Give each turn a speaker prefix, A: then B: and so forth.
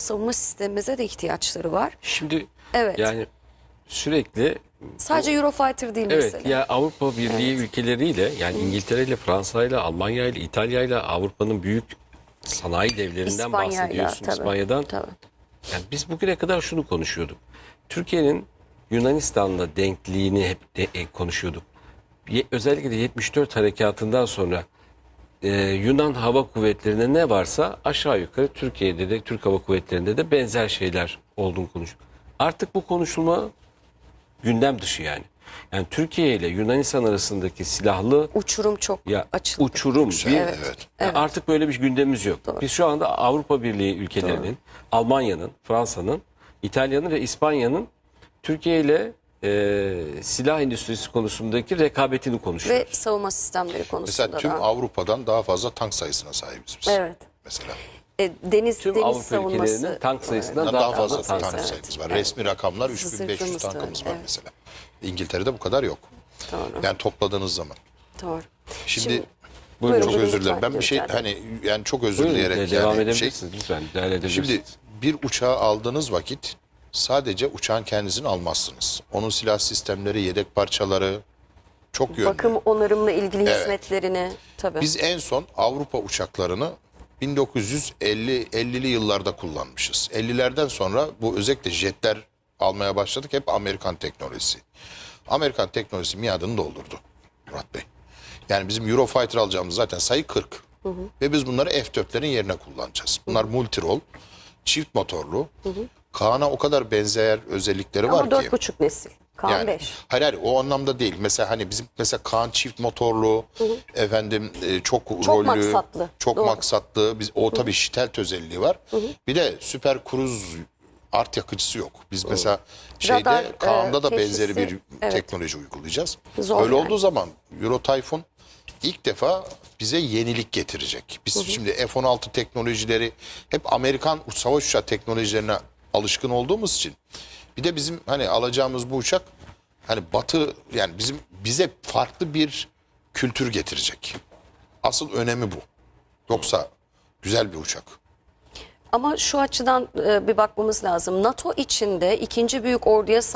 A: savunma sistemimize de ihtiyaçları var.
B: Şimdi
A: Evet.
B: yani sürekli
A: Sadece Eurofighter değil
B: evet
A: mesela.
B: ya Avrupa Birliği ülkeleriyle yani İngiltere ile Fransa ile Almanya ile İtalya ile Avrupa'nın büyük sanayi devlerinden
A: İspanya'yla,
B: bahsediyorsun,
A: tabii,
B: İspanya'dan.
A: tabii.
B: Yani biz bugüne kadar şunu konuşuyorduk. Türkiye'nin Yunanistan'la denkliğini hep konuşuyorduk. Özellikle de 74 harekatından sonra Yunan Hava Kuvvetleri'ne ne varsa aşağı yukarı Türkiye'de de Türk Hava Kuvvetleri'nde de benzer şeyler olduğunu konuşuyor. Artık bu konuşulma gündem dışı yani. Yani Türkiye ile Yunanistan arasındaki silahlı
A: Uçurum çok açıldı.
B: uçurum.
C: Evet.
B: Yani artık böyle bir gündemimiz yok. Biz şu anda Avrupa Birliği ülkelerinin, Almanya'nın, Fransa'nın, İtalya'nın ve İspanya'nın Türkiye ile silah endüstrisi konusundaki rekabetini konuşuyoruz.
A: Ve savunma sistemleri konusunda
C: Mesela tüm
A: da.
C: Avrupa'dan daha fazla tank sayısına sahibiz biz.
A: Evet.
C: Mesela.
A: Deniz
B: Tüm
A: deniz
B: Avrupa
A: savunması.
B: ülkelerinin tank sayısından
C: Daha fazla
B: tank
C: tank
B: sayısı.
C: sayımız var. Resmi rakamlar
A: Zırhımız
C: 3500
A: da
C: tankımız
A: öyle,
C: var
A: evet.
C: mesela. İngiltere'de bu kadar yok.
A: Doğru.
C: Yani topladığınız zaman.
A: Doğru.
C: Şimdi
B: Buyurun.
C: çok
A: buyurun
C: özür dilerim.
A: lütfen,
C: Ben bir şey
A: lütfen.
C: hani yani çok özür
B: Buyurun,
C: dileyerek
B: devam
C: yani
B: edebilirsiniz lütfen. Müdahale edebilirsiniz.
C: Şimdi bir uçağı aldığınız vakit sadece uçağın kendisini almazsınız. Onun silah sistemleri, yedek parçaları çok yönlü.
A: Bakım onarımla ilgili hizmetlerini tabii.
C: Biz en son Avrupa uçaklarını 1950'li yıllarda kullanmışız. 50'lerden sonra bu özellikle jetler almaya başladık. Hep Amerikan teknolojisi. Amerikan teknolojisi miadını doldurdu Murat Bey. Yani bizim Eurofighter alacağımız zaten sayı 40. Ve biz bunları F-4'lerin yerine kullanacağız. Bunlar multirol, çift motorlu. Kaan'a o kadar benzer özellikleri
A: Ama
C: var ki.
A: 4,5 nesil. Kaan
C: Yani
A: 5.
C: hayır o anlamda değil. Mesela hani bizim mesela Kaan çift motorlu, efendim çok rollü,
A: maksatlı.
C: çok
A: Doğru.
C: maksatlı. Biz o tabii stealth özelliği var. Bir de süper kruz art yakıcısı yok. Biz mesela şeyde
A: Radar,
C: Kaan'da da
A: teşhisi,
C: benzeri bir
A: evet.
C: teknoloji uygulayacağız.
A: Zor
C: Öyle
A: yani.
C: olduğu zaman Euro Typhoon ilk defa bize yenilik getirecek. Biz şimdi F-16 teknolojileri hep Amerikan savaş uçağı teknolojilerine alışkın olduğumuz için bir de bizim hani alacağımız bu uçak hani batı yani bize farklı bir kültür getirecek. Asıl önemi bu. Yoksa güzel bir uçak.
A: Ama şu açıdan bir bakmamız lazım. NATO içinde ikinci büyük orduya